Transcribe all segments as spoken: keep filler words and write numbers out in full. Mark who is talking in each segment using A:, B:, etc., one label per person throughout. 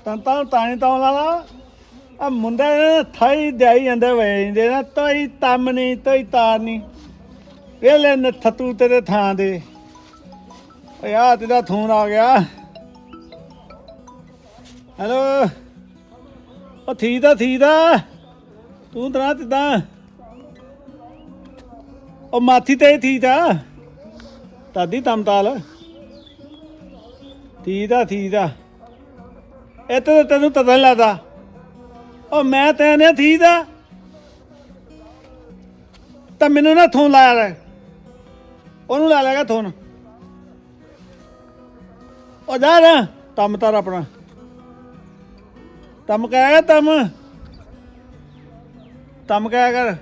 A: ਤੰਤਾਂ ਤਾਣੀ ਤਾਂ ਲਾਲਾ ਆ ਮੁੰਡੇ ਥਾਈ ਦਿਆਈ ਜਾਂਦੇ ਵੇ ਜਾਂਦੇ ਨਾ ਤੋਈ ਤੰਮ ਨਹੀਂ ਤੋਈ ਤਾਰ ਨਹੀਂ ਵੇਲੇ ਨੱਥ ਤੂੰ ਤੇਰੇ ਥਾਂ ਦੇ ਓਏ ਆ ਤੇਰਾ ਫੋਨ ਆ ਗਿਆ ਹੈਲੋ ਉਹ ਥੀ ਦਾ ਥੀ ਦਾ ਤੂੰ ਤਰਾ ਤਿੱਦਾਂ ਉਹ ਮਾਥੀ ਤੇ ਥੀ ਦਾ ਤਾਦੀ ਤਮਤਾਲ ਥੀ ਦਾ ਥੀ ਦਾ ਇਹ ਤੇ ਤੈਨੂੰ ਤਦਨ ਲੱਗਦਾ ਉਹ ਮੈਂ ਤੈਨੇ ਥੀ ਦਾ ਤਾਂ ਮੈਨੂੰ ਨਾ ਥੋਨ ਲਾਇਆ ਲੈ ਉਹਨੂੰ ਲਾ ਲੈਗਾ ਥੋਨ ਉਹ ਜਾ ਨਾ ਤਮ ਤਾਰ ਆਪਣਾ ਤਮ ਕਹਿਆ ਤਮ ਤਮ ਕਹਿਆ ਕਰ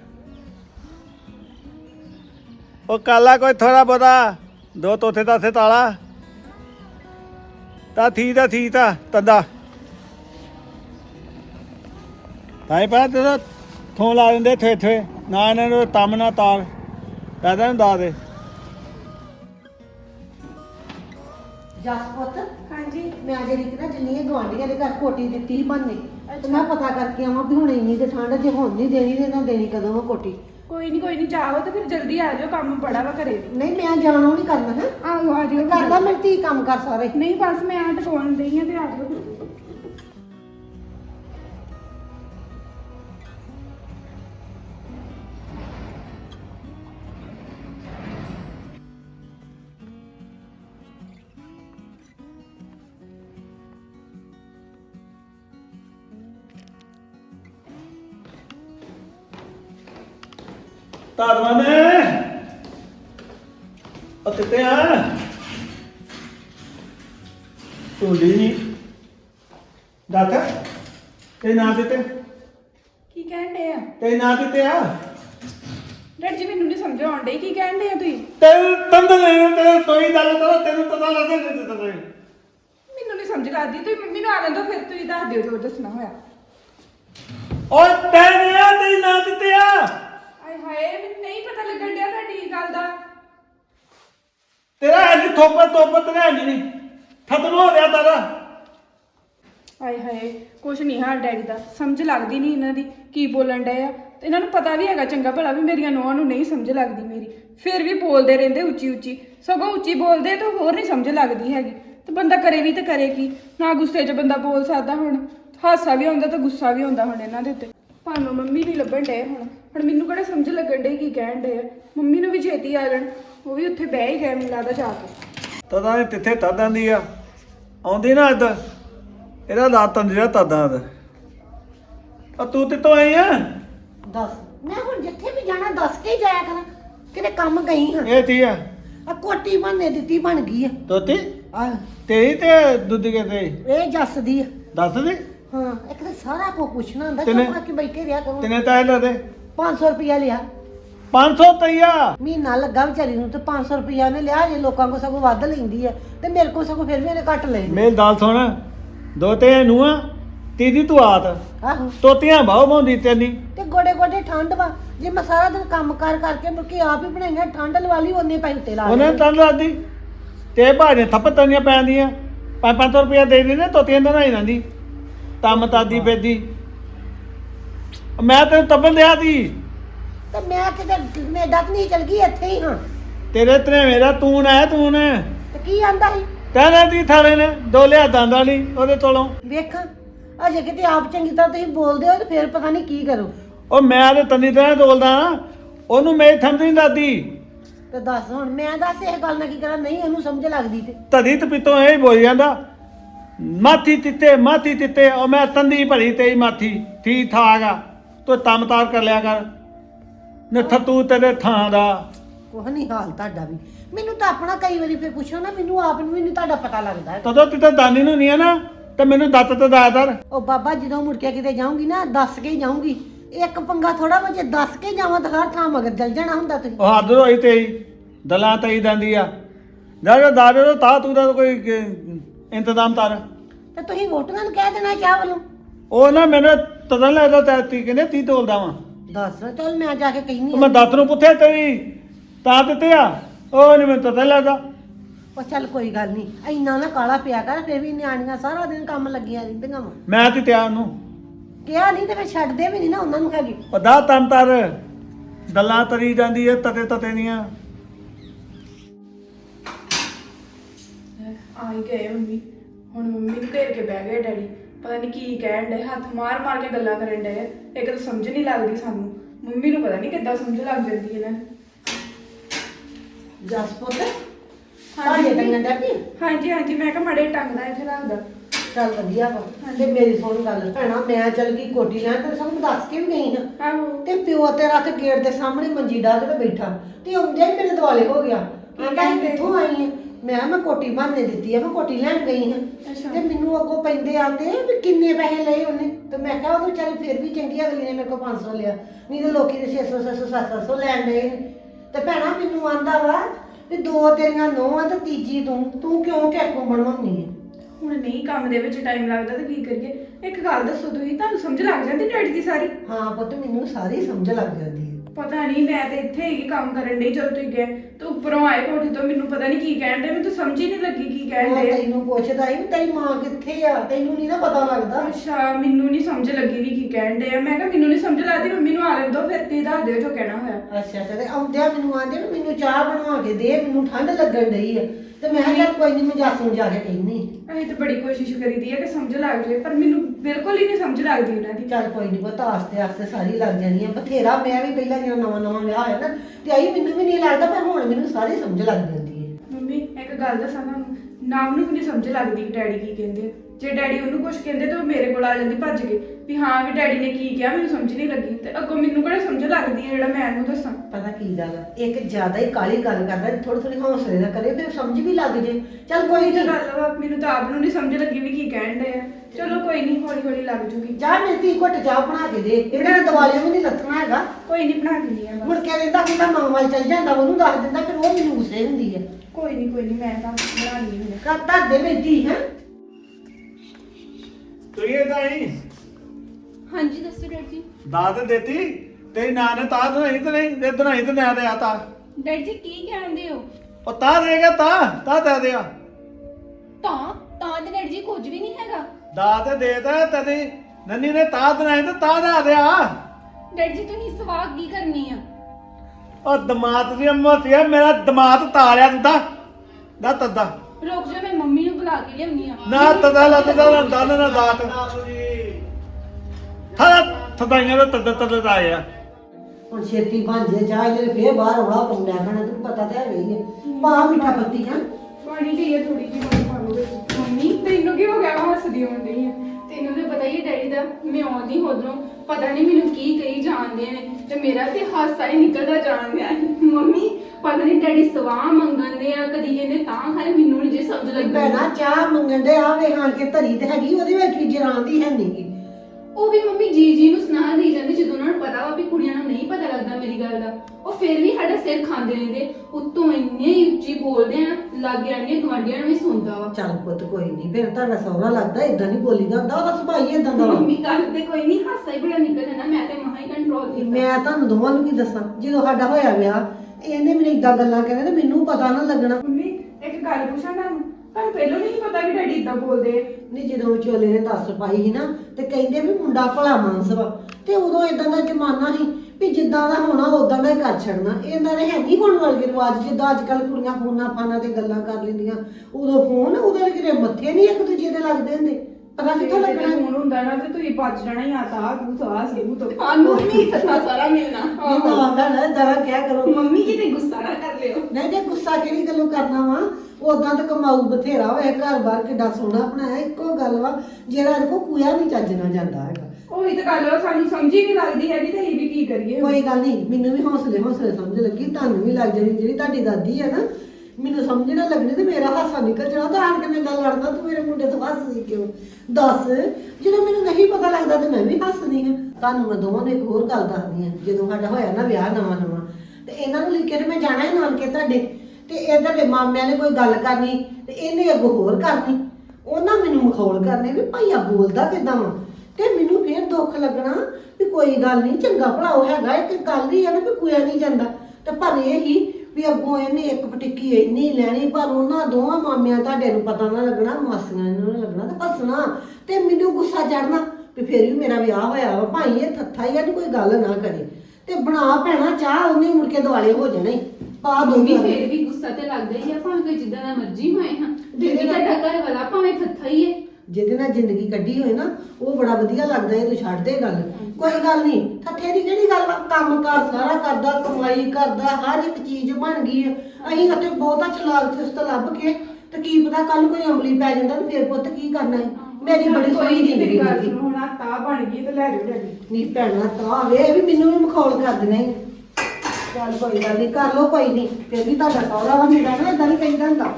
A: ਉਹ ਕਾਲਾ ਕੋਈ ਥੋੜਾ ਬਹੁਤਾ ਦੋ ਤੋਥੇ ਤਾਥੇ ਤਾਲਾ ਤਾਂ ਥੀ ਦਾ ਥੀ ਤਾਂ ਤੰਦਾ ਤਾਈ ਪਾ ਤੇ ਥੋਂ ਲਾ ਦਿੰਦੇ ਥੇ ਥੇ ਨਾ ਇਹਨਾਂ ਨੂੰ ਤਮ ਨਾ ਤਾਲ ਪੈਦਾ ਨੂੰ ਦਾ ਦੇ
B: ਜਸ ਪੁੱਤ ਹਾਂਜੀ ਮੈਂ ਅਜੇ ਲਿਖ ਨਾ ਜਿੰਨੀ ਗਵਾਂਢੀਆਂ ਦੇ ਘਰ ਕੋਟੀ ਦਿੱਤੀ ਸੀ ਬੰਨੇ ਤੇ ਮੈਂ ਪਤਾ ਕਰਕੇ ਆਵਾਂ ਵੀ ਹੁਣ ਇੰਨੀ ਤੇ ਠੰਡ ਜੇ ਹੁਣ ਨਹੀਂ ਦੇਣੀ ਤੇ ਨਾ ਦੇਣੀ ਕਦੋਂ ਵਾ ਕੋਟੀ
C: ਕੋਈ ਨਹੀਂ ਕੋਈ ਨਹੀਂ ਜਾਓ ਤੇ ਫਿਰ ਜਲਦੀ ਆ ਜਾਓ ਕੰਮ ਬੜਾ ਵਾ ਘਰੇ
B: ਨਹੀਂ ਮੈਂ ਜਾਣਾ ਨਹੀਂ ਕਰਨਾ ਹੈ
C: ਆਹੋ ਆ ਜਾਓ
B: ਕਰਦਾ ਮੇਰੀ ਧੀ ਕੰਮ ਕਰ ਸਾਰੇ
C: ਨਹੀਂ ਬਸ ਮੈਂ ਆ ਟਕਾਉਣ ਦਈ ਆ ਤੇ ਆ ਜਾਓ
A: ਧਰਮਾਂ ਨੇ ਉਹ ਕਿੱਥੇ ਆ ਢੋਲੀ ਨਹੀਂ ਦਾਤਾ ਤੇ ਨਾ ਦਿੱਤੇ
C: ਕੀ ਕਹਿਣ ਡੇ ਆ
A: ਤੇ ਨਾ ਦਿੱਤੇ ਆ
C: ਡੈਡ ਜੀ ਮੈਨੂੰ ਨਹੀਂ ਸਮਝ ਆਉਣ ਡਈ ਕੀ ਕਹਿਣ ਡੇ ਆ ਤੁਸੀਂ
A: ਤੇ ਤੰਦ ਨਹੀਂ ਤੇ ਕੋਈ ਗੱਲ ਤਾਂ ਤੈਨੂੰ ਪਤਾ ਲੱਗਦਾ ਨਹੀਂ ਤੇ
C: ਮੈਨੂੰ ਨਹੀਂ ਸਮਝ ਲੱਗਦੀ ਤੁਸੀਂ ਮੰਮੀ ਨੂੰ ਆ ਲੈਂਦੋ ਫਿਰ ਤੁਸੀਂ ਦੱਸ ਦਿਓ ਜੋ ਦੱਸਣਾ ਹੋਇਆ
A: ਓਏ ਤੈਨੇ ਆ ਤੇ ਨਾ ਦਿੱਤੇ ਆ
C: ਆਏ ਹਾਏ ਮੈਨੂੰ ਨਹੀਂ ਪਤਾ ਲੱਗਣ ਡਿਆ ਤੁਹਾਡੀ ਗੱਲ ਦਾ
A: ਤੇਰਾ ਅੱਜ ਥੋਪਾ ਤੋਪ ਤੇਰਾ ਨਹੀਂ ਖਤਮ ਹੋ ਗਿਆ ਤਾਰਾ
C: ਆਏ ਹਾਏ ਕੁਛ ਨਹੀਂ ਹਾਂ ਡੈਡੀ ਦਾ ਸਮਝ ਲੱਗਦੀ ਨਹੀਂ ਇਹਨਾਂ ਦੀ ਕੀ ਬੋਲਣ ਡਏ ਆ ਤੇ ਇਹਨਾਂ ਨੂੰ ਪਤਾ ਵੀ ਹੈਗਾ ਚੰਗਾ ਭਲਾ ਵੀ ਮੇਰੀਆਂ ਨੂੰਹਾਂ ਨੂੰ ਨਹੀਂ ਸਮਝ ਲੱਗਦੀ ਮੇਰੀ ਫਿਰ ਵੀ ਬੋਲਦੇ ਰਹਿੰਦੇ ਉੱਚੀ ਉੱਚੀ ਸਗੋਂ ਉੱਚੀ ਬੋਲਦੇ ਤਾਂ ਹੋਰ ਨਹੀਂ ਸਮਝ ਲੱਗਦੀ ਹੈਗੀ ਤੇ ਬੰਦਾ ਕਰੇ ਵੀ ਤੇ ਕਰੇ ਕੀ ਨਾ ਗੁੱਸੇ 'ਚ ਬੰਦਾ ਬੋਲ ਸਕਦਾ ਹੁਣ ਹਾਸਾ ਵੀ ਆਉਂਦਾ ਤੇ ਗੁੱਸਾ ਵੀ ਆਉਂਦਾ ਹੁਣ ਇਹਨਾਂ ਦੇ ਉੱਤੇ ਭਾਵੇਂ ਮੰਮੀ ਨਹੀਂ ਲੱਭਣ ਡਏ ਹੁਣ ਹੁਣ ਮੈਨੂੰ ਕਿਹੜਾ ਸਮਝ ਲੱਗਣ ਡੇ ਕੀ ਕਹਿਣ ਡੇ ਆ ਮੰਮੀ ਨੂੰ ਵੀ ਛੇਤੀ ਆ ਜਾਣ ਉਹ ਵੀ ਉੱਥੇ ਬਹਿ ਹੀ ਗਏ ਮੈਨੂੰ ਲੱਗਦਾ ਜਾ ਕੇ
A: ਤਦਾਂ ਦੀ ਤਿੱਥੇ ਤਦਾਂ ਦੀ ਆ ਆਉਂਦੀ ਨਾ ਅੱਜ ਇਹਦਾ ਦਾਤ ਤੰਦਰਾ ਤਦਾਂ ਦਾ ਆ ਤੂੰ ਤਿੱਤੋਂ ਆਈ ਆ
B: ਦੱਸ ਮੈਂ ਹੁਣ ਜਿੱਥੇ ਵੀ ਜਾਣਾ ਦੱਸ ਕੇ ਹੀ ਜਾਇਆ ਕਰਾਂ ਕਿਤੇ ਕੰਮ ਗਈ ਹਾਂ
A: ਇਹ ਤੀ ਆ
B: ਆ ਕੋਟੀ ਬੰਨੇ ਦਿੱਤੀ ਬਣ ਗਈ ਆ
A: ਤੋਤੀ
B: ਆ
A: ਤੇਰੀ ਤੇ ਦੁੱਧ ਕਿਤੇ
B: ਇਹ ਜੱਸ ਦੀ ਆ
A: ਦੱਸ ਦੇ
B: ਹਾਂ ਇੱਕ ਤਾਂ ਸਾਰਾ ਕੋ ਪੁੱਛਣਾ ਹੁੰਦਾ
A: ਤੈਨੇ-
B: ਚੁੱਪ ਕਰਕੇ ਬੈਠੇ ਰਿਹਾ ਕਰੋ
A: ਤਿੰਨੇ ਤਾਂ ਲੈ ਦੇ
B: ਪੰਜ ਸੌ ਰੁਪਇਆ ਲਿਆ
A: ਪੰਜ ਸੌ ਤਈਆ
B: ਮਹੀਨਾ ਲੱਗਾ ਵਿਚਾਰੀ ਨੂੰ ਤੇ ਪੰਜ ਸੌ ਰੁਪਇਆ ਨੇ ਲਿਆ ਜੇ ਲੋਕਾਂ ਕੋ ਸਗੋਂ ਵੱਧ ਲੈਂਦੀ ਆ ਤੇ ਮੇਰੇ ਕੋ ਸਗੋਂ ਫਿਰ ਵੀ ਇਹਨੇ ਘੱਟ ਲਏ ਨੇ।
A: ਮੇਰੀ ਗੱਲ ਸੁਣ ਦੋ ਤੇ ਨੂੰਹਾਂ ਤੀਦੀ ਤੂੰ ਆਤ
B: ਆਹੋ
A: ਤੋਤੀਆਂ ਬਾਹ ਪਾਉਂਦੀ ਤੈਨੀ
B: ਤੇ ਗੋਡੇ ਗੋਡੇ ਠੰਡ ਵਾ ਜੇ ਮੈਂ ਸਾਰਾ ਦਿਨ ਕੰਮ ਕਾਰ ਕਰਕੇ ਮੁੜ ਕੇ ਆਪ ਹੀ ਬਣਾਈਆਂ ਠੰਡ ਲਵਾਲੀ ਉਹਨੇ ਪੈਸੇ ਤੇ ਲਾ
A: ਉਹਨੇ
B: ਲਏ।
A: ਤਨ ਲਾਦੀ ਤੇ ਭਾਜੇ ਥੱਪ ਤਨੀਆਂ ਪੈਂਦੀਆਂ ਪੰਜ ਪੰਜ ਸੌ ਰੁਪਇਆ ਦੇ ਦਿੰਦੇ ਤੋਤੀਆਂ ਦਾ ਨਹੀਂ ਜਾਂਦੀ ਤਮ ਤਾਦੀ ਬੇਦੀ ਮੈਂ ਤੈਨੂੰ ਤਬਨ ਦਿਆ ਦੀ
B: ਤੇ ਮੈਂ ਕਿਤੇ ਕੈਨੇਡਾ ਨਹੀਂ ਚਲ ਗਈ ਇੱਥੇ ਹੀ ਹਾਂ
A: ਤੇਰੇ ਤਰੇ ਮੇਰਾ ਤੂੰ ਨਾ ਤੂੰ ਨੇ
B: ਤੇ ਕੀ ਆਂਦਾ ਸੀ
A: ਕਹਿੰਦਾ ਤੀ ਥਾਲੇ ਨੇ ਦੋ ਲਿਆ ਦੰਦਾਂ ਲਈ ਉਹਦੇ ਕੋਲੋਂ
B: ਵੇਖਾਂ ਅਜੇ ਕਿਤੇ ਆਪ ਚੰਗੀ ਤਰ੍ਹਾਂ ਤੁਸੀਂ ਬੋਲਦੇ ਹੋ ਤੇ ਫਿਰ ਪਤਾ ਨਹੀਂ ਕੀ ਕਰੋ
A: ਉਹ ਮੈਂ ਤੇ ਤੰਨੀ ਤਰ੍ਹਾਂ ਬੋਲਦਾ ਉਹਨੂੰ ਮੇਰੀ ਥੰਮਦੀ ਨਹੀਂ ਦਾਦੀ
B: ਤੇ ਦੱਸ ਹੁਣ ਮੈਂ ਦੱਸ ਇਹ ਗੱਲ ਨਾ ਕੀ ਕਰਾਂ ਨਹੀਂ ਇਹਨੂੰ ਸਮਝ ਲੱਗਦੀ ਤੇ
A: ਧਦੀ ਤਪੀਤੋਂ ਇਹ ਬੋਲ ਜਾਂਦਾ ਮਾਥੀ ਤਿੱਤੇ ਮਾਥੀ ਤਿੱਤੇ ਉਹ ਮੈਂ ਤੰਦੀ ਭਰੀ ਤੇਰੀ ਮਾਥੀ ਠੀਕ ਠਾਕ ਆ ਤੂੰ ਤਮ ਤਾਰ ਕਰ ਲਿਆ ਕਰ ਨੱਥ ਤੂੰ ਤੇਰੇ ਥਾਂ ਦਾ
B: ਕੁਛ ਨਹੀਂ ਹਾਲ ਤੁਹਾਡਾ ਵੀ ਮੈਨੂੰ ਤਾਂ ਆਪਣਾ ਕਈ ਵਾਰੀ ਫਿਰ ਪੁੱਛੋ ਨਾ ਮੈਨੂੰ ਆਪ ਨੂੰ ਵੀ ਨਹੀਂ ਤੁਹਾਡਾ ਪਤਾ ਲੱਗਦਾ
A: ਤਦੋਂ ਕਿਤੇ ਦਾਨੀ ਨੂੰ ਨਹੀਂ ਆ ਨਾ ਤੇ ਮੈਨੂੰ ਦੱਤ ਤੇ ਦਾਦਰ
B: ਉਹ ਬਾਬਾ ਜਦੋਂ ਮੁੜ ਕੇ ਕਿਤੇ ਜਾਊਂਗੀ ਨਾ ਦੱਸ ਕੇ ਹੀ ਜਾਊਂਗੀ ਇੱਕ ਪੰਗਾ ਥੋੜਾ ਵਾ ਜੇ ਦੱਸ ਕੇ ਜਾਵਾਂ ਤਾਂ ਹਰ ਥਾਂ ਮਗਰ ਜਲ ਜਾਣਾ ਹੁੰਦਾ ਤੁਸੀਂ
A: ਉਹ ਹੱਦ ਹੋਈ ਤੇਈ ਦਲਾਂ ਤਈ ਦੰਦੀ ਆ ਜਾ ਦਾਦਰ ਤਾਂ ਤੂੰ ਦਾ ਕੋਈ ਇੰਤਜ਼ਾਮ ਤਾਰ
B: ਤੇ ਤੁਸੀਂ ਵੋਟਰਾਂ ਨੂੰ ਕਹਿ ਦੇਣਾ ਚਾਹ ਵੱਲੋਂ
A: ਉਹ ਨਾ ਮੈਨੂੰ ਤਦਨ ਲੱਗਦਾ ਤੇ ਤੀ ਕਹਿੰਦੇ ਤੀ ਤੋਲਦਾ ਵਾਂ
B: ਦੱਸ ਚੱਲ ਮੈਂ ਜਾ ਕੇ ਕਹਿਨੀ
A: ਉਹ ਮੈਂ ਦੱਤ ਨੂੰ ਪੁੱਛਿਆ ਤੇਰੀ ਤਾਂ ਦਿੱਤੇ ਆ ਉਹ ਨਹੀਂ ਮੈਨੂੰ ਤਦਨ ਲੱਗਦਾ
B: ਉਹ ਚੱਲ ਕੋਈ ਗੱਲ ਨਹੀਂ ਇੰਨਾ ਨਾ ਕਾਲਾ ਪਿਆ ਕਰ ਫਿਰ ਵੀ ਨਿਆਣੀਆਂ ਸਾਰਾ ਦਿਨ ਕੰਮ ਲੱਗੀਆਂ ਰਹਿੰਦੀਆਂ ਵਾ
A: ਮੈਂ ਤੇ ਤਿਆਰ ਨੂੰ
B: ਕਿਹਾ ਨਹੀਂ ਤੇ ਫਿਰ ਛੱਡਦੇ ਵੀ ਨਹੀਂ ਨਾ ਉਹਨਾਂ ਨੂੰ ਹੈਗੀ
A: ਉਹ ਦਾ ਤਨ ਤਰ ਗੱਲਾਂ ਤਰੀ ਜਾਂਦੀ ਏ ਤਤੇ ਤਤੇ ਦੀਆਂ
C: ਆ ਹੀ ਗਏ ਮੰਮੀ ਹੁਣ ਮੰਮੀ ਨੂੰ ਘੇਰ ਕੇ ਬਹਿ ਗਏ ਡੈਡੀ ਪਤਾ ਨਹੀਂ ਕੀ ਕਹਿਣ ਡੇ ਹੱਥ ਮਾਰ ਮਾਰ ਕੇ ਗੱਲਾਂ ਕਰਨ ਡੇ ਇੱਕ ਤਾਂ ਸਮਝ ਨਹੀਂ ਲੱਗਦੀ ਸਾਨੂੰ ਮੰਮੀ ਨੂੰ ਪਤਾ ਨਹੀਂ ਕਿੱਦਾਂ ਸਮਝ ਲੱਗ ਜਾਂਦੀ ਇਹਨਾਂ ਨੂੰ
B: ਜਸਪੁੱਤ
C: ਹਾਂਜੀ
B: ਹਾਂਜੀ ਟੰਗਣ ਦਾ ਵੀ
C: ਹਾਂਜੀ ਹਾਂਜੀ ਮੈਂ ਕਿਹਾ ਮੜੇ ਟੰਗਦਾ ਇੱਥੇ ਰੱਖਦਾ
B: ਚੱਲ ਵਧੀਆ ਵਾ ਤੇ ਮੇਰੀ ਸੁਣ ਗੱਲ ਭੈਣਾ ਮੈਂ ਚੱਲ ਗਈ ਕੋਟੀ ਲੈਣ ਤੇ ਸਭ ਨੂੰ ਦੱਸ ਕੇ ਵੀ ਗਈ ਹਾਂ
C: ਆਹੋ
B: ਤੇ ਪਿਓ ਤੇਰਾ ਤੇ ਗੇਟ ਦੇ ਸਾਹਮਣੇ ਮੰਜੀ ਡਾ ਕੇ ਤੇ ਬੈਠਾ ਤੇ ਆਉਂਦਿਆਂ ਹੀ ਮੇਰੇ ਦੁਆਲੇ ਹੋ ਗਿਆ ਕਹਿੰਦਾ ਇਹ ਕਿੱਥੋਂ ਆਈ ਹੈ ਮੈਂ ਕਿਹਾ ਮੈਂ ਕੋਟੀ ਭਰਨੇ ਦਿੱਤੀ ਆ ਮੈਂ ਕੋਟੀ ਲੈਣ ਗਈ ਹਾਂ
C: ਅੱਛਾ
B: ਤੇ ਮੈਨੂੰ ਅੱਗੋਂ ਪੈਂਦੇ ਆਂਦੇ ਵੀ ਕਿੰਨੇ ਪੈਸੇ ਲਏ ਉਹਨੇ ਤੇ ਮੈਂ ਕਿਹਾ ਉਹ ਵਿਚਾਰੀ ਫਿਰ ਵੀ ਚੰਗੀ ਅਗਲੀ ਨੇ ਮੇਰੇ ਕੋਲ ਪੰਜ ਸੌ ਲਿਆ ਨਹੀਂ ਤੇ ਲੋਕੀ ਦੇ ਛੇ ਸੌ ਸੱਤ ਸੌ ਸੱਤ ਸੌ ਲੈਣ ਦੇ ਤੇ ਭੈਣਾ ਮੈਨੂੰ ਆਂਦਾ ਵਾ ਵੀ ਦੋ ਤੇਰੀਆਂ ਨੌਂ ਤੇ ਤੀਜੀ ਤੂੰ ਤੂੰ ਕਿਉਂ ਕਿਹਕੋਂ ਬਣਵਾਉਣੀ ਹੈ
C: ਹੁਣ ਨਹੀਂ ਕੰਮ ਦੇ ਵਿੱਚ ਟਾਈਮ ਲੱਗਦਾ ਤਾਂ ਕੀ ਕਰੀਏ ਇੱਕ ਗੱਲ ਦੱਸੋ ਤੁਸੀਂ ਤੁਹਾਨੂੰ ਸਮਝ ਲੱਗ ਜਾਂਦੀ ਡੈਡੀ ਦੀ ਸਾਰੀ
B: ਹਾਂ ਪੁੱਤ ਮੈਨੂੰ ਸਾਰੀ ਸਮਝ ਲੱਗ ਜਾਂਦੀ ਹੈ
C: ਪਤਾ ਨਹੀਂ ਮੈਂ ਤੇ ਇੱਥੇ ਹੀ ਕੰਮ ਕਰਨ ਡਈ ਜਦੋਂ ਤੁਸੀਂ ਗਏ ਤੇ ਉੱਪਰੋਂ ਆਏ ਕੋਠੇ ਤੋਂ ਮੈਨੂੰ ਪਤਾ ਨਹੀਂ ਕੀ ਕਹਿਣ ਡੇ ਮੈਨੂੰ ਤਾਂ ਸਮਝ ਹੀ ਨਹੀਂ ਲੱਗੀ ਕੀ ਕਹਿਣ
B: ਉਹ
C: ਡੇ
B: ਤੈਨੂੰ ਪੁੱਛਦਾ ਹੀ ਤੇਰੀ ਮਾਂ ਕਿੱਥੇ ਆ ਤੈਨੂੰ ਨਹੀਂ ਨਾ ਪਤਾ ਲੱਗਦਾ
C: ਅੱਛਾ ਮੈਨੂੰ ਨਹੀਂ ਸਮਝ ਲੱਗੀ ਵੀ ਕੀ ਕਹਿਣ ਡੇ ਆ ਮੈਂ ਕਿਹਾ ਮੈਨੂੰ ਨਹੀਂ ਸਮਝ ਲੱਗਦੀ ਮੰਮੀ ਨੂੰ ਆ ਲੈਣ ਦੋ ਫਿਰ ਤੇ ਦੱਸ ਦਿਓ ਜੋ ਕਹਿਣਾ ਹੋਇਆ
B: ਅੱਛਾ ਅੱਛਾ ਤੇ ਆਉਂਦਿਆਂ ਮੈਨੂੰ ਆਂਦੇ ਵੀ ਮੈਨੂੰ ਚਾਹ ਬਣਵਾ ਕੇ ਦੇ ਮੈਨੂੰ ਠੰਡ ਲੱਗਣ ਡਈ ਆ ਤੇ ਮੈਂ ਕਿਹਾ ਚੱਲ ਕੋਈ ਨਹੀਂ ਮੈਂ ਜਾਸੂ ਨੂੰ ਜਾ ਕੇ ਕਹਿੰਦੀ
C: ਅਸੀਂ ਤਾਂ ਬੜੀ ਕੋਸ਼ਿਸ਼ ਕਰੀਦੀ ਹੈ ਕਿ ਸਮਝ ਲੱਗ ਜਾਏ ਪਰ ਮੈਨੂੰ ਬਿਲਕੁਲ ਹੀ ਨਹੀਂ ਸਮਝ ਲੱਗਦੀ ਉਹਨਾਂ ਦੀ
B: ਚੱਲ ਕੋਈ ਨਹੀਂ ਪਤਾ ਆਸਤੇ ਆਸਤੇ ਸਾਰੀ ਲੱਗ ਜਾਣੀ ਆ ਬਥੇਰਾ ਮੈਂ ਵੀ ਪਹਿਲਾਂ ਜਦੋਂ ਨਵਾਂ ਨਵਾਂ ਵਿਆਹ ਹੋਇਆ ਨਾ ਤੇ ਆਈ ਮੈਨੂੰ ਵੀ ਨਹੀਂ ਲੱਗਦਾ ਪਰ ਹੁਣ ਮੈਨੂੰ ਸਾਰੀ ਸਮਝ ਲੱਗ ਜਾਂਦੀ ਹੈ
C: ਮੰਮੀ ਇੱਕ ਗੱਲ ਦੱਸਾਂ ਤੁਹਾਨੂੰ ਨਾਮ ਨੂੰ ਵੀ ਨਹੀਂ ਸਮਝ ਲੱਗਦੀ ਕਿ ਡੈਡੀ ਕੀ ਕਹਿੰਦੇ ਆ। ਜੇ ਡੈਡੀ ਉਹਨੂੰ ਕੁਝ ਕਹਿੰਦੇ ਤਾਂ ਉਹ ਮੇਰੇ ਕੋਲ ਆ ਜਾਂਦੀ ਭੱਜ ਕੇ ਵੀ ਹਾਂ ਵੀ ਡੈਡੀ ਨੇ ਕੀ ਕਿਹਾ ਮੈਨੂੰ ਸਮਝ ਨਹੀਂ ਲੱਗੀ ਤੇ ਅੱਗੋਂ ਮੈਨੂੰ ਕਿਹੜਾ ਸਮਝ ਲੱਗਦੀ ਹੈ ਜਿਹੜਾ ਮੈਂ ਇਹਨੂੰ ਦੱਸਾਂ
B: ਪਤਾ ਕੀ ਗੱਲ ਆ ਇੱਕ ਜ਼ਿਆਦਾ ਹੀ ਕਾਲੀ ਗੱਲ ਕਰਦਾ ਥੋੜੀ ਥੋੜੀ ਹੌਸਲੇ ਨਾਲ ਕਰੇ ਫਿਰ ਸਮਝ ਵੀ ਲੱਗ ਜੇ ਚੱਲ ਕੋਈ
C: ਇਹ
B: ਨਹੀਂ
C: ਗੱਲ ਵਾ ਮੈਨੂੰ ਤਾਂ ਆਪ ਨੂੰ ਨਹੀਂ ਸਮਝ ਲੱਗੀ ਵੀ ਕੀ ਕਹਿਣ ਦੇ ਆ ਚਲੋ ਕੋਈ ਨਹੀਂ ਹੌਲੀ ਹੌਲੀ ਲੱਗ ਜੂਗੀ
B: ਜਾ ਮੇਰੀ ਧੀ ਘੁੱਟ ਚਾਹ ਬਣਾ ਕੇ ਦੇ ਇਹਦੇ ਦਿਵਾਲੇ ਵੀ ਨਹੀਂ ਲੱਥਣਾ ਹੈਗਾ
C: ਕੋਈ ਨਹੀਂ ਬਣਾ ਦਿੰਦੀ ਆ
B: ਮੁੜ
C: ਬਸ
B: ਕੇ ਰਹਿੰਦਾ ਹੁੰਦਾ ਮਾਂ ਵੱਲ ਚੱਲ ਜਾਂਦਾ ਉਹਨੂੰ ਦੱਸ ਦਿੰਦਾ ਫਿਰ ਉਹ ਮੈਨੂੰ ਗੁੱਸੇ ਹੁੰਦੀ ਹੈ
C: ਕੋਈ ਨਹੀਂ ਕੋਈ ਨਹੀਂ ਮੈਂ ਤਾਂ ਬਣਾ ਲਈ ਹੁਣ
B: ਕਰਤਾ ਦੇ ਬੈਠੀ ਹੈ
A: ਤੂੰ ਇਹ ਤਾਂ ਹੀ
D: ਹਾਂਜੀ ਦੱਸੋ ਡੈਡ ਜੀ
A: ਦਾਤ ਦੇਤੀ ਤੇ ਨਾਂ ਨੇ ਤਾਂ ਨਹੀਂ ਤੇ ਨਹੀਂ ਦੇ ਦਨਾਈ ਤੇ ਨਾ ਦੇ ਆਤਾ
D: ਡੈਡ ਜੀ ਕੀ ਕਹਿੰਦੇ ਹੋ
A: ਉਹ ਤਾਂ ਦੇਗਾ ਤਾਂ ਤਾਂ ਦੇ ਦਿਆ
D: ਤਾਂ ਤਾਂ ਤੇ ਡੈਡ ਜੀ ਕੁਝ ਵੀ ਨਹੀਂ ਹੈਗਾ
A: ਦਾਤ ਦੇ ਤਾ ਤਦੇ ਨੰਨੀ ਨੇ ਤਾਂ ਦਨਾਈ ਤੇ ਤਾਂ ਦਾ ਦਿਆ
D: ਡੈਡ ਜੀ ਤੁਸੀਂ ਸਵਾਗ ਕੀ ਕਰਨੀ ਆ
A: ਉਹ ਦਮਾਤ ਦੀ ਅੰਮਤ ਹੈ ਮੇਰਾ ਦਮਾਤ ਤਾਲਿਆ ਤਦਾ ਦਾ ਤਦਾ
D: ਰੁਕ ਜਾ ਮੈਂ ਮੰਮੀ ਨੂੰ ਬੁਲਾ ਕੇ ਲਿਆਉਣੀ ਆ
A: ਨਾ ਤਦਾ ਲੱਤ ਦਾ ਦਨ ਨਾ ਦਾਤ ਥਾ ਥਦਾਈਆਂ ਦਾ ਤਦ ਤਦ ਦਾ ਆਇਆ
B: ਹੁਣ ਛੇਤੀ ਭਾਂਜੇ ਜਾ ਇਹਦੇ ਫੇਰ ਬਾਹਰ ਆਉਣਾ ਪੰਡਾ ਖਾਣਾ ਤੈਨੂੰ ਪਤਾ ਤਾਂ ਹੈ ਹੀ ਹੈ ਪਾ ਮਿੱਠਾ ਪੱਤੀ ਹੈ
C: ਪਾਣੀ ਦੀ ਇਹ ਥੋੜੀ ਜਿਹੀ ਪਾਣੀ ਪਾ ਲਓ ਵਿੱਚ ਮੰਮੀ ਤੈਨੂੰ ਕੀ ਹੋ ਗਿਆ ਵਾ ਹੱਸਦੀ ਹੁੰਦੀ ਆ
D: ਤੈਨੂੰ ਤੇ ਪਤਾ ਹੀ ਹੈ ਡੈਡੀ ਦਾ ਮੈਂ ਆਉਂਦੀ ਹੋਦੋਂ ਪਤਾ ਨਹੀਂ ਮੈਨੂੰ ਕੀ ਕਹੀ ਜਾਂਦੇ ਨੇ ਤੇ ਮੇਰਾ ਤੇ ਹਾਸਾ ਹੀ ਨਿਕਲਦਾ ਜਾਣ ਗਿਆ ਮੰਮੀ ਪਤਾ ਨਹੀਂ ਡੈਡੀ ਸਵਾਹ ਮੰਗਣਦੇ ਆ ਕਦੀ ਕਹਿੰਦੇ ਤਾਂ ਖਾਲੇ ਮੈਨੂੰ ਨਹੀਂ ਜੇ ਸਮਝ ਲੱਗੀ
B: ਭੈਣਾ ਚਾਹ ਮੰਗਣ ਦੇ ਆ ਵੇ ਖਾਣ ਕੇ ਧਰੀ ਤੇ ਹੈਗੀ ਉਹਦੇ ਵਿੱਚ ਵੀ ਜਰਾਂਦੀ ਹੈ ਨਹੀਂ
D: ਉਹ ਵੀ ਮੰਮੀ ਜੀ ਜੀ ਨੂੰ ਸੁਣਾ ਦੇਈ ਜਾਂਦੇ ਜਦੋਂ ਉਹਨਾਂ ਨੂੰ ਪਤਾ ਵਾ ਵੀ ਕੁੜੀਆਂ ਨੂੰ ਨਹੀਂ ਪਤਾ ਲੱਗਦਾ ਮੇਰੀ ਗੱਲ ਦਾ ਉਹ ਫਿਰ ਵੀ ਸਾਡਾ ਸਿਰ ਖਾਂਦੇ ਰਹਿੰਦੇ ਉੱਤੋਂ ਇੰਨੇ ਹੀ ਉੱਚੀ ਬੋਲਦੇ ਆ ਲਾਗੇ ਆਂਗੇ ਗਵਾਂਢੀਆਂ ਨੂੰ ਵੀ ਸੁਣਦਾ ਵਾ
B: ਚੱਲ ਪੁੱਤ ਕੋਈ ਨਹੀਂ ਫਿਰ ਤੁਹਾਡਾ ਸਹੁਰਾ ਲੱਗਦਾ ਇਦਾਂ ਨਹੀਂ ਬੋਲੀਦਾ ਹੁੰਦਾ ਉਹਦਾ ਸੁਭਾਅ ਹੀ ਇਦਾਂ ਦਾ ਵਾ
D: ਮੰਮੀ ਗੱਲ ਤੇ ਕੋਈ ਨਹੀਂ ਹਾਸਾ ਹੀ ਬੜਾ ਨਿਕਲ ਜਾਂਦਾ ਮੈਂ ਤੇ ਮਹਾ ਹੀ ਕੰਟਰੋਲ ਕੀਤਾ
B: ਮੈਂ ਤੁਹਾਨੂੰ ਦੋਵਾਂ ਨੂੰ ਕੀ ਦੱਸਾਂ ਜਦੋਂ ਸਾਡਾ ਹੋਇਆ ਵਿਆਹ ਇਹਨੇ ਮੈਨੂੰ ਇਦਾਂ ਗੱਲਾਂ ਕਹਿੰਦੇ ਤੇ ਮੈਨੂੰ ਪਤਾ ਨਾ ਲੱਗਣਾ
C: ਮੰਮੀ ਇੱਕ ਗੱਲ ਪੁੱਛਾਂ ਤੁਹਾਨੂੰ ਤੁਹਾਨੂੰ ਪਹਿਲਾਂ ਨਹੀਂ ਪਤਾ ਕਿ ਡੈਡੀ ਇਦਾਂ ਬੋਲਦੇ ਆ
B: ਨਹੀਂ ਜਦੋਂ ਵਿਚੋਲੇ ਨੇ ਦੱਸ ਪਾਈ ਸੀ ਨਾ ਤੇ ਕਹਿੰਦੇ ਵੀ ਮੁੰਡਾ ਭਲਾ ਮਾਨਸ ਵਾ ਤੇ ਉਦੋਂ ਇਦਾਂ ਦਾ ਜ਼ਮਾਨਾ ਸੀ ਵੀ ਜਿੱਦਾਂ ਦਾ ਹੋਣਾ ਉਦਾਂ ਦਾ ਹੀ ਕਰ ਛੱਡਣਾ ਇਹਨਾਂ ਦੇ ਹੈ ਨਹੀਂ ਹੁਣ ਵਰਗੇ ਰਿਵਾਜ ਜਿੱਦਾਂ ਅੱਜ ਕੱਲ ਕੁੜੀਆਂ ਫੋਨਾਂ ਫਾਨਾਂ ਤੇ ਗੱਲਾਂ ਕਰ ਲੈਂਦੀਆਂ ਉਦੋਂ ਫੋਨ ਉਦੋਂ ਕਿਤੇ ਮੱਥੇ ਨਹੀਂ ਇੱਕ ਦੂਜੇ ਦੇ ਲੱਗਦੇ ਹੁੰਦੇ ਪਤਾ ਕਿੱਥੋਂ ਲੱਗਣਾ
C: ਫੋਨ ਹੁੰਦਾ ਨਾ ਤੇ ਤੁਸੀਂ ਭੱਜ ਜਾਣਾ ਹੀ ਆ ਤਾਂ ਤੂੰ ਸਵਾ ਸੇਹੂ ਤੋਂ
D: ਹਾਂ ਮੰਮੀ ਤਾਂ ਸਾਰਾ ਮਿਲਣਾ
B: ਜਿੰਨਾ ਆਉਂਦਾ ਨਾ ਜਰਾ ਕਿਆ ਕਰੋ
D: ਮੰਮੀ ਕਿਤੇ ਗੁੱਸਾ ਨਾ ਕਰ ਲਿਓ
B: ਨਹੀਂ ਤੇ ਗੁੱਸਾ ਕਿਹੜੀ ਗੱਲੋਂ ਕਰਨਾ ਵਾ ਉਦਾਂ ਤਾਂ ਕਮਾਊ ਬਥੇਰਾ ਹੋਇਆ ਘਰ ਬਾਰ ਕਿੱਡਾ ਸੋਹਣਾ ਬਣਾਇਆ ਇੱਕੋ ਗੱਲ ਵਾ ਜਿਹੜਾ ਇਹਦੇ ਕੋ ਕੂਇਆ ਨਹੀਂ ਚੱਜਣਾ ਜਾਂਦਾ ਹੈਗਾ
C: ਉਹੀ ਤਾਂ ਗੱਲ ਵਾ ਸਾਨੂੰ ਸਮਝ ਹੀ ਨਹੀਂ ਲੱਗਦੀ ਹੈਗੀ ਤੇ ਅਸੀਂ ਵੀ ਕੀ ਕਰੀਏ
B: ਕੋਈ ਗੱਲ ਨਹੀਂ ਮੈਨੂੰ ਵੀ ਹੌਸਲੇ ਹੌਸਲੇ ਸਮਝ ਲੱਗੀ ਤੁਹਾਨੂੰ ਵੀ ਲੱਗ ਜਾਣੀ ਜਿਹੜੀ ਤੁਹਾਡੀ ਦਾਦੀ ਹੈ ਨਾ ਮੈਨੂੰ ਸਮਝ ਨਾ ਲੱਗਣੀ ਤੇ ਮੇਰਾ ਹਾਸਾ ਨਿਕਲ ਜਾਣਾ ਤਾਂ ਆਣ ਕੇ ਮੇਰੇ ਨਾਲ ਲੜਨਾ ਤੂੰ ਮੇਰੇ ਮੁੰਡੇ ਤੋਂ ਹੱਸਦੀ ਕਿਉਂ ਦੱਸ ਜਦੋਂ ਮੈਨੂੰ ਨਹੀਂ ਪਤਾ ਲੱਗਦਾ ਤੇ ਮੈਂ ਵੀ ਹੱਸਦੀ ਹਾਂ ਤੁਹਾਨੂੰ ਮੈਂ ਦੋਵਾਂ ਨੂੰ ਇੱਕ ਹੋਰ ਗੱਲ ਦੱਸਦੀ ਹਾਂ ਜਦੋਂ ਸਾਡਾ ਹੋਇਆ ਨਾ ਵਿਆਹ ਨਵਾਂ ਨਵਾਂ ਤੇ ਇਹਨਾਂ ਨੂੰ ਲੈ ਕੇ ਤੇ ਮੈਂ ਜਾਣਾ ਹੈ ਨਾਨਕੇ ਤੁਹਾਡੇ ਤੇ ਇਹਨਾਂ ਦੇ ਮਾਮਿਆਂ ਨੇ ਕੋਈ ਗੱਲ ਕਰਨੀ ਤੇ ਇਹਨੇ ਅੱਗੋਂ ਹੋਰ ਕਰਨੀ ਉਹਨਾਂ ਮੈਨੂੰ ਮਖੌਲ ਕਰਨੇ ਵੀ ਭਾਈਆ ਬੋਲਦਾ ਕਿਦਾਂ ਵਾ ਤੇ ਮੈਨੂੰ ਫੇਰ ਦੁੱਖ ਲੱਗਣਾ ਵੀ ਕੋਈ ਗੱਲ ਨਹੀਂ ਚੰਗਾ ਭਲਾ ਉਹ ਹੈਗਾ ਇੱਕ ਗੱਲ ਹੀ ਆ ਨਾ ਵੀ ਕੋਇਆ ਨਹੀਂ ਜਾਂਦਾ ਤੇ ਪਰ ਇਹ ਹੀ ਵੀ ਅੱਗੋਂ ਇਹਨੇ ਇੱਕ ਪਟਿੱਕੀ ਇੰਨੀ ਲੈਣੀ, ਪਰ ਉਹਨਾਂ ਦੋਵਾਂ ਮਾਮਿਆਂ ਤੁਹਾਡੇ ਨੂੰ ਪਤਾ ਨਾ ਲੱਗਣਾ, ਮਾਸੀਆਂ ਨੂੰ ਨਾ ਲੱਗਣਾ ਤੇ ਹੱਸਣਾ ਤੇ ਮੈਨੂੰ ਗੁੱਸਾ ਚੜਨਾ ਵੀ ਫਿਰ ਵੀ ਮੇਰਾ ਵਿਆਹ ਹੋਇਆ ਵਾ, ਭਾਈ ਇਹ ਥੱਥਾ ਹੀ ਆ ਤੇ ਕੋਈ ਗੱਲ ਨਾ ਕਰੇ ਤੇ ਬਣਾ ਭੈਣਾ ਚਾਹ, ਉਹਨੇ ਮੁੜ ਕੇ ਦੁਆਲੇ ਹੋ ਜਾਣਾ ਹੀ ਪਾ
D: ਮੰਮੀ
B: ਦੂੰਗੀ।
D: ਫੇਰ ਵੀ ਗੁੱਸਾ ਤੇ ਲੱਗਦਾ ਹੀ ਆ, ਭਾਵੇਂ ਕੋਈ ਜਿੱਦਾਂ ਦਾ ਮਰਜ਼ੀ ਹੋਏ ਹਾਂ, ਜਿਹਦੀ ਤੁਹਾਡਾ ਘਰ ਵਾਲਾ ਭਾਵੇਂ ਥੱਥਾ ਹੀ ਹੈ।
B: ਜਿਹਦੇ ਨਾਲ ਜ਼ਿੰਦਗੀ ਕੱਢੀ ਹੋਏ ਨਾ ਉਹ ਬੜਾ ਵਧੀਆ ਲੱਗਦਾ ਹੈ, ਤੂੰ ਛੱਡ ਦੇ ਗੱਲ, ਕੋਈ ਗੱਲ ਨਹੀਂ, ਥੱਥੇ ਦੀ ਕਿਹੜੀ ਗੱਲ ਵਾ, ਕੰਮ ਕਾਰ ਸਾਰਾ ਕਰਦਾ, ਕਮਾਈ ਕਰਦਾ, ਹਰ ਇੱਕ ਚੀਜ਼ ਬਣ ਗਈ ਹੈ। ਅਸੀਂ ਉੱਥੇ ਬਹੁਤਾ ਚਲਾਕ ਚੁਸਤ ਲੱਭ ਕੇ ਤੇ ਕੀ ਪਤਾ ਕੱਲ ਕੋਈ ਅਮਲੀ ਪੈ ਜਾਂਦਾ ਤੇ ਫਿਰ ਪੁੱਤ ਕੀ ਕਰਨਾ ਹੈ। ਮੇਰੀ ਬੜੀ ਸੋਹਣੀ ਜ਼ਿੰਦਗੀ
C: ਗੱਲ
B: ਸੀ।
C: ਹੁਣ ਆ ਤਾਂ ਬਣ ਗਈ ਤੇ ਲੈ ਜਾਓ ਜਾ ਕੇ।
B: ਨਹੀਂ ਭੈਣਾ ਤਾਂ ਵੇ ਇਹ ਵੀ ਮੈਨੂੰ ਵੀ ਮਖੌਲ ਕਰ ਦੇਣਾ ਹੀ। ਚੱਲ ਕੋਈ ਗੱਲ ਨਹੀਂ, ਕਰ ਲੋ ਕੋਈ ਨਹੀਂ, ਫਿਰ ਵੀ ਤੁਹਾਡਾ ਸਹੁਰਾ ਵਾ, ਮੇਰਾ ਨਾ ਏਦਾਂ ਨਹੀਂ ਕਹਿੰਦਾ ਹੁੰਦਾ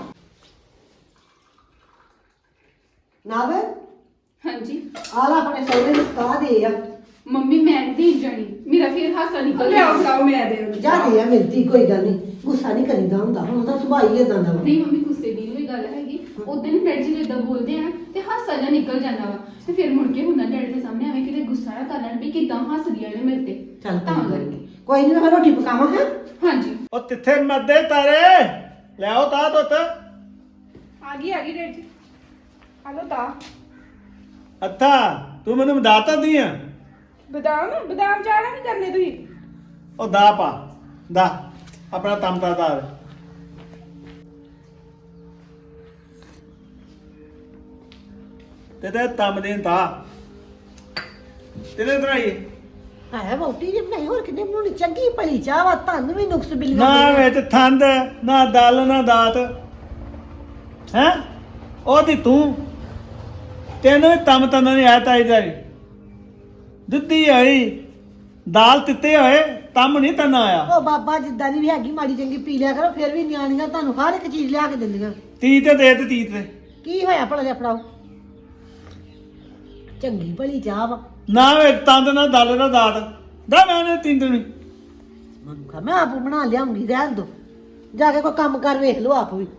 B: ਨਾ ਵੇ।
D: ਹਾਂਜੀ
B: ਆ ਲੈ ਆਪਣੇ ਸਹੁਰੇ ਨੂੰ ਕਹਾ ਦੇ ਆ,
D: ਮੰਮੀ ਮੈਂ ਨਹੀਂ ਜਾਣੀ, ਮੇਰਾ ਫੇਰ ਹਾਸਾ ਨਿਕਲ
C: ਲਿਆਓ
D: ਗਿਆ।
C: ਖਾਓ ਮੈਂ ਦੇ ਦਿੰਦੀ।
B: ਜਾ ਦੇ ਆ ਮਿਲਦੀ, ਕੋਈ ਗੱਲ ਨਹੀਂ, ਗੁੱਸਾ ਨਹੀਂ ਕਰੀਦਾ ਹੁੰਦਾ, ਹੁਣ ਤਾਂ ਸੁਭਾਅ ਹੀ ਏਦਾਂ ਦਾ ਵਾ।
D: ਨਹੀਂ ਮੰਮੀ ਗੁੱਸੇ ਦੀ ਕੋਈ ਗੱਲ ਹੈਗੀ, ਉਦੋਂ ਵੀ ਡੈਡੀ ਜੀ ਇਦਾਂ ਬੋਲਦੇ ਆ ਤੇ ਹਾਸਾ ਜਿਹਾ ਨਿਕਲ ਜਾਂਦਾ ਵਾ, ਤੇ ਫਿਰ ਮੁੜ ਕੇ ਹੁੰਦਾ ਡੈਡੀ ਦੇ ਸਾਹਮਣੇ ਐਵੇਂ ਕਿਤੇ ਗੁੱਸਾ ਨਾ ਕਰ ਲੈਣ ਵੀ ਕਿਦਾਂ ਹੱਸਦੀਆਂ ਨੇ ਮੇਰੇ ਤੇ।
B: ਚੱਲ
D: ਤਾਂ
B: ਕੋਈ ਗੱਲ
D: ਕਰਕੇ
B: ਨੀ। ਕੋਈ ਨਹੀਂ, ਮੈਂ ਰੋਟੀ ਪਕਾਵਾਂ ਹੈ।
D: ਹਾਂਜੀ
A: ਉਹ ਤਿੱਥੇ ਮੱਦੇ ਤਾਰੇ ਲੈ ਆਓ ਤਾਂ ਦੁੱਤ।
C: ਆ ਗਈ ਆ ਗਈ ਡੈਡ ਜੀ, ਆ ਲੋ ਤਾਂ
A: ਅੱਥਾ ਤੂੰ ਮੈਨੂੰ ਮਦਾਤਾ ਦੀ ਆ।
C: ਬਦਾਮ ਬਦਾਮ ਚਾੜਾ ਨਹੀਂ ਕਰਨੇ ਤੁਸੀਂ।
A: ਉਹ ਦਾ ਪਾ ਦਾ ਆਪਣਾ ਤਮਤਾ ਦਾ ਤੇ ਤੇ ਤਮ ਦੇ ਤਾ ਤੇਰੇ ਤਰਾਈ
B: ਹੈ ਵੋਟੀ ਜੀ ਬਣਾਈ, ਹੋਰ ਕਿੰਨੇ ਬਣਾਉਣੀ, ਚੰਗੀ ਭਲੀ ਚਾਹ ਵਾ, ਤੁਹਾਨੂੰ ਵੀ ਨੁਕਸ ਬਿਲ
A: ਨਾ ਵਿੱਚ ਥੰਦ ਨਾ ਦਲ ਨਾ ਦਾਤ ਹੈ ਉਹਦੀ ਤੂੰ ਤੈਨੂੰ ਵੀ ਤਮ ਤਨ ਨਹੀਂ ਆਇਆ ਤਾਈ ਦਾ ਦੁੱਧੀ ਹੋਈ ਦਾਲ ਤਿੱਤੇ ਹੋਏ ਤਮ ਨਹੀਂ ਤਨ ਆਇਆ।
B: ਉਹ ਬਾਬਾ ਜਿੱਦਾਂ ਦੀ ਵੀ ਹੈਗੀ ਮਾੜੀ ਚੰਗੀ ਪੀ ਲਿਆ ਕਰੋ, ਫਿਰ ਵੀ ਨਿਆਣੀਆਂ ਤੁਹਾਨੂੰ ਹਰ ਇੱਕ ਚੀਜ਼ ਲਿਆ ਕੇ ਦਿੰਦੀਆਂ।
A: ਤੀ ਤੇ ਦੇ ਤੇ ਤੀ ਤੇ
B: ਕੀ ਹੋਇਆ ਭਲਾ ਜਿਹਾ ਫੜਾਓ, ਚੰਗੀ ਭਲੀ ਚਾਹ ਵਾ।
A: ਨਾ ਵਿੱਚ ਤੰਦ ਨਾ ਦਲ ਨਾ ਦਾਤ ਦਾ ਮੈਂ ਨੇ ਤਿੰਨ ਦਿਨ
B: ਮਨੁੱਖਾ ਮੈਂ ਆਪ ਬਣਾ ਲਿਆਉਂਗੀ, ਰਹਿਣ ਦੋ, ਜਾ ਕੇ ਕੋਈ ਕੰਮ ਕਰ ਵੇਖ ਲਓ ਆਪ ਵੀ।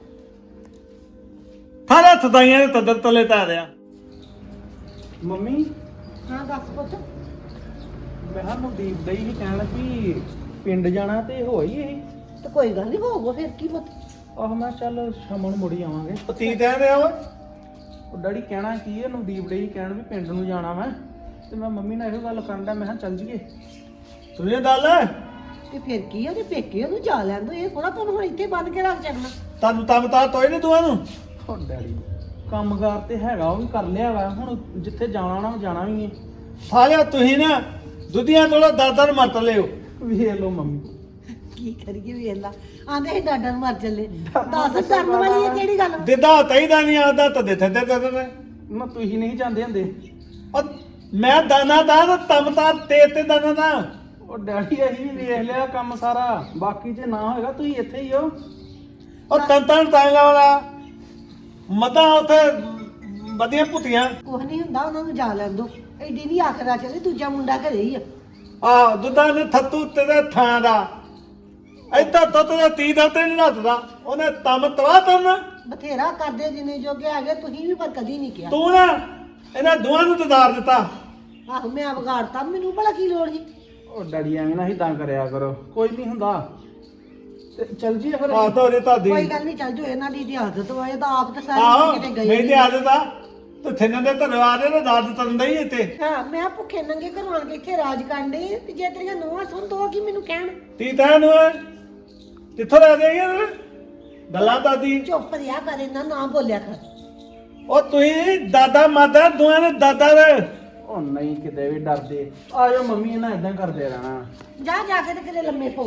A: ਥਾਲੇ ਥਦਾਈਆਂ ਦੇ ਤਦਰ ਤਲੇ ਤਾ ਰਿਆ
E: ਮੰਮੀ
B: ਹਾਂ ਦੱਸ ਪੁੱਤ।
E: ਮੈਂ ਹਾਂ ਨਵਦੀਪ ਦਈ ਹੀ ਕਹਿਣ ਵੀ ਪਿੰਡ ਜਾਣਾ ਤੇ ਹੋਈ ਇਹ
B: ਤੇ ਕੋਈ ਗੱਲ ਨਹੀਂ, ਹੋਊਗਾ ਫਿਰ ਕੀ ਪੁੱਤ।
E: ਆਹ ਮੈਂ ਚੱਲ ਸ਼ਾਮ ਨੂੰ ਮੁੜੀ ਆਵਾਂਗੇ।
A: ਉਹ ਤੀ ਤੇ ਰਿਆ ਓਏ
E: ਉਹ ਡੈਡੀ ਕਹਿਣਾ ਕੀ ਹੈ, ਨਵਦੀਪ ਦਈ ਕਹਿਣ ਵੀ ਪਿੰਡ ਨੂੰ ਜਾਣਾ ਮੈਂ, ਤੇ ਮੈਂ ਮੰਮੀ ਨਾਲ ਇਹੋ ਗੱਲ ਕਰਨ ਦਾ, ਮੈਂ ਕਿਹਾ ਚੱਲ ਜੀਏ।
A: ਸੁਣੀਏ ਗੱਲ
B: ਤੇ ਫਿਰ ਕੀ ਆ, ਜੇ ਪੇਕੇ ਉਹਨੂੰ ਜਾ ਲੈਣ ਦੋ, ਇਹ ਥੋੜਾ ਤੁਹਾਨੂੰ ਹੁਣ ਇੱਥੇ ਬੰਨ ਕੇ ਰੱਖ ਛੱਡਣਾ।
A: ਤੁਹਾਨੂੰ ਤਮ ਤਾ ਤੋਈ ਨਹੀਂ ਤੂੰ ਨੂੰ
E: ਉਹ ਡੈਡੀ ਕੰਮਕਾਰ ਤੇ ਹੈਗਾ, ਉਹ ਵੀ ਕਰ ਲਿਆ ਵਾ, ਹੁਣ ਜਿੱਥੇ ਜਾਣਾ ਨਾ ਜਾਣਾ ਵੀ ਹੈ।
A: ਸਾਲਿਆ ਤੁਸੀਂ ਨਾ ਦੁੱਧੀਆਂ ਤੋਲਾ ਦਾਦਰ ਮਤ ਲਿਓ।
E: ਵੇਖ ਲਓ ਮੰਮੀ,
B: ਕੀ ਕਰੀਏ ਵੇਖ ਲਾ, ਆਂਦੇ ਸੀ ਡਾਡਾਂ ਨੂੰ ਮਰ ਚੱਲੇ, ਦੱਸ ਡਰਨ ਵਾਲੀ ਹੈ ਕਿਹੜੀ ਗੱਲ ਵਾ?
A: ਦਿਦਾ ਤਈਦਾ ਨਹੀਂ ਆਦਾ ਤਾਂ ਦੇ ਥੱਦੇ ਤੇ
E: ਨਾ ਤੁਸੀਂ ਨਹੀਂ ਜਾਂਦੇ ਹੁੰਦੇ।
A: ਮੈਂ ਦਾਨਾ ਦਾ ਤਮ ਤਾ ਤੇ ਤੇ ਦਾਨਾ ਦਾ
E: ਉਹ ਡੈਡੀ ਅਸੀਂ ਵੀ ਵੇਖ ਲਿਆ ਕੰਮ ਸਾਰਾ, ਬਾਕੀ ਜੇ ਨਾ ਹੋਏਗਾ ਤੁਸੀਂ ਇੱਥੇ ਹੀ ਹੋ।
A: ਉਹ ਤਨ ਤਨ ਤਾਂਗਾ ਵਾਲਾ ਮਤਾ ਉਥੇ ਵਧੀਆਂ ਪੁੱਤੀਆਂ
B: ਕੁਛ ਨਹੀਂ ਹੁੰਦਾ, ਉਹਨਾਂ ਨੂੰ ਜਾ ਲੈਣ ਦੋ, ਐਡੀ ਨਹੀਂ ਆਖਰਾ ਚੱਲੇ, ਦੂਜਾ ਮੁੰਡਾ ਘਰੇ ਹੀ ਆ।
A: ਆ ਦੁੱਧਾਂ ਨੇ ਥੱਤੂ ਤੇ ਥਾਂ ਦਾ ਇੱਧਰ ਦੁੱਧ ਦਾ ਤੀ ਦਾ ਤੇ ਨਹੀਂ ਨੱਥਦਾ, ਉਹਨੇ ਤਮ ਤਵਾ ਤਨ
B: ਬਥੇਰਾ ਕਰਦੇ ਜਿੰਨੇ ਜੋਗੇ ਆ ਗਏ, ਤੁਸੀਂ ਵੀ ਪਰ ਕਦੀ ਨਹੀਂ ਕਿਹਾ।
A: ਤੂੰ ਨਾ ਇਹਨਾਂ ਦੋਵਾਂ ਨੂੰ ਤਦਾਰ ਦਿੱਤਾ।
B: ਆਹੋ ਮੈਂ ਵਿਗਾੜਤਾ, ਮੈਨੂੰ ਭਲਾ ਕੀ ਲੋੜ ਸੀ।
E: ਉਹ ਡੈਡੀ ਐਵੇਂ ਨਾ ਹਿੱਦਾਂ ਕਰਿਆ ਕਰੋ, ਕੋਈ ਨਹੀਂ ਹੁੰਦਾ, ਤੇ ਚੱਲ ਜੀਏ ਫਿਰ।
A: ਆ ਤੋਰੇ ਤਾਦੀ
B: ਕੋਈ ਗੱਲ ਨਹੀਂ, ਚੱਲ ਜੋ ਇਹਨਾਂ ਦੀ ਦੀ ਆਦਤ ਵਾ, ਇਹ ਤਾਂ ਆਪ ਤਾਂ
A: ਆਹੋ
B: ਸਾਰੇ ਕਿਤੇ ਗਏ
A: ਮੇਰੀ
B: ਨੀ।
A: ਤੇ ਆਦਤ ਆ ਤੂੰ ਥਿੰਨ ਦੇ ਧਰਵਾ ਦੇ ਨਾ ਦਾਦ ਤੰਦਾ ਹੀ ਇੱਥੇ
B: ਹਾਂ ਮੈਂ ਭੁੱਖੇ ਨੰਗੇ ਘਰੋਂ ਆਣ ਕੇ ਇੱਥੇ ਰਾਜ ਕਾਂਡੇ, ਤੇ ਜੇ ਤੇਰੀਆਂ ਨੂੰਹਾਂ ਸੁਣ ਦੋ ਕੀ ਮੈਨੂੰ ਕਹਿਣ।
A: ਤੀ ਤੈਨ ਨੂੰ ਕਿੱਥੋਂ ਲੈ ਜਾਈਏ ਗੱਲਾਂ ਦਾਦੀ।
B: ਚੁੱਪ ਰਿਹਾ ਕਰ, ਇਹਨਾਂ ਨਾ ਬੋਲਿਆ ਕਰ।
A: ਉਹ ਤੁਸੀਂ ਦਾਦਾ ਮਾਦਾ ਦੋਵਾਂ ਨੇ ਦਾਦਾ ਦੇ
E: ਉਹ ਨਹੀਂ ਕਿਤੇ ਵੀ ਡਰਦੇ, ਆਜੋ ਮੰਮੀ ਇਹਨਾਂ ਇਦਾਂ ਕਰਦੇ ਰਹਿਣਾ।
B: ਜਾ ਜਾ ਕੇ ਤੇ ਕਿਤੇ ਲੰਮੇ ਪੋ।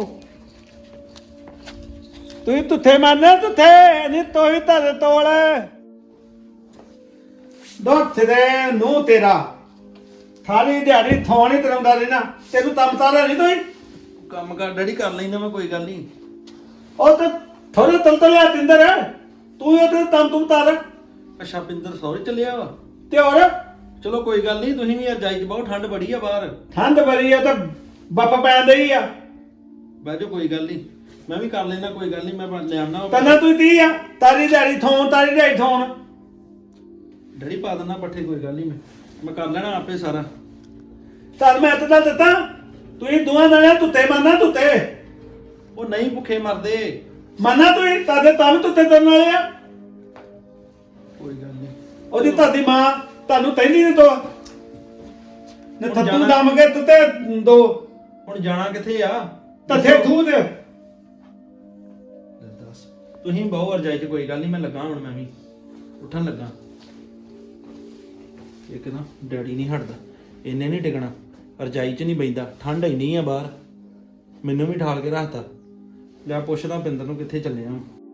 A: ਤੁਸੀਂ ਤੁੱਥੇ ਮੰਨਦੇ ਤੁੱਥੇ ਨਹੀਂ ਤੋਈ ਧਰੇ ਤੋਲ ਦੁੱਧ ਦੇ ਨੂੰ ਤੇਰਾ ਥਾਲੀ ਦਿਹਾੜੀ ਥੋਣੀ ਤਰਾਉਂਦਾ ਰਹਿਣਾ, ਤੈਨੂੰ ਤਮ ਤਾਲਾ ਨਹੀਂ ਤੋਈ।
F: ਕੰਮ ਕਰ ਡੈਡੀ ਕਰ ਲੈਂਦਾ ਮੈਂ, ਕੋਈ ਗੱਲ ਨਹੀਂ।
A: ਉਹ ਤੇ ਥੋੜੇ ਤਲਤਲਿਆ ਤਿੰਦਰ ਤੂੰ ਉਹ ਤੇ ਤਮ ਤੁਮ ਤਾਰ
F: ਅੱਛਾ ਪਿੰਦਰ ਸੌਰੀ ਚੱਲਿਆ ਵਾ,
A: ਤੇ ਹੋਰ
F: ਚਲੋ ਕੋਈ ਗੱਲ ਨਹੀਂ, ਤੁਸੀਂ ਵੀ ਯਾਰ ਜਾਈ ਚ ਬਹੁਤ ਠੰਡ ਬੜੀ ਆ ਬਾਹਰ,
A: ਠੰਡ ਬੜੀ ਆ ਤਾਂ ਬੱਪ ਪੈਂਦਾ ਹੀ ਆ।
F: ਬਹਿ ਜਾਓ ਕੋਈ ਗੱਲ ਨਹੀਂ, ਮੈਂ ਵੀ ਕਰ ਲੈਂਦਾ ਕੋਈ ਗੱਲ ਨਹੀਂ, ਮੈਂ ਲੈ ਆਉਣਾ।
A: ਤੰਨਾ ਤੂੰ ਤੀ ਆ ਤਾਰੀ ਦਿਹਾੜੀ ਥੋਣ ਤਾਰੀ ਦਿਹਾੜੀ ਥੋਣ
F: ਡੈਡੀ ਪਾ ਦਿੰਦਾ ਪੱਠੇ, ਕੋਈ ਗੱਲ ਨਹੀਂ, ਮੈਂ ਮੈਂ ਕਰ ਲੈਣਾ ਆਪੇ ਸਾਰਾ।
A: ਚੱਲ ਮੈਂ ਤਾਂ ਦਿੱਤਾ ਤੁਸੀਂ ਦੋਵਾਂ ਨਾਲੇ ਤੁੱਤੇ ਮੰਨਦਾ ਤੁੱਤੇ
F: ਉਹ ਨਹੀਂ ਭੁੱਖੇ ਮਰਦੇ।
A: ਮਾਨਾ ਤੂੰ ਤਾਦੇ ਤਾਂ ਤੁੱਤੇ ਤਰਨ ਵਾਲੇ ਆ।
F: ਕੋਈ ਗੱਲ ਨਹੀਂ।
A: ਉਹਦੀ ਤੁਹਾਡੀ ਮਾਂ ਤੁਹਾਨੂੰ ਤੈਨੂੰ ਨਹੀਂ ਦੋ ਨੇ
F: ਹੁਣ
A: ਥੱਤੂ
F: ਜਾਣਾ-
A: ਦਮ ਕੇ ਤੁੱਤੇ ਦੋ
F: ਹੁਣ ਜਾਣਾ ਕਿੱਥੇ ਆ?
A: ਤੱਥੇ ਖੂਹ ਦੇ।
F: ਦੱਸ ਤੁਸੀਂ ਬਹੁ ਰਜਾਈ ਚ ਕੋਈ ਗੱਲ ਨਹੀਂ, ਮੈਂ ਲੱਗਾ ਹੁਣ ਮੈਂ ਵੀ ਉੱਠਣ ਲੱਗਾ। ਇੱਕ ਨਾ ਡੈਡੀ ਨਹੀਂ ਹਟਦਾ, ਇਹਨੇ ਨਹੀਂ ਟਿਕਣਾ, ਰਜਾਈ ਚ ਨਹੀਂ ਬੈਂਦਾ, ਠੰਡ ਇੰਨੀ ਆ ਬਾਹਰ, ਮੈਨੂੰ ਵੀ ਠਾਲ ਕੇ ਰੱਖਤਾ। ਲਿਆ ਪੁੱਛਦਾ ਪਿੰਦਰ ਨੂੰ ਕਿੱਥੇ ਚੱਲੇ ਆ।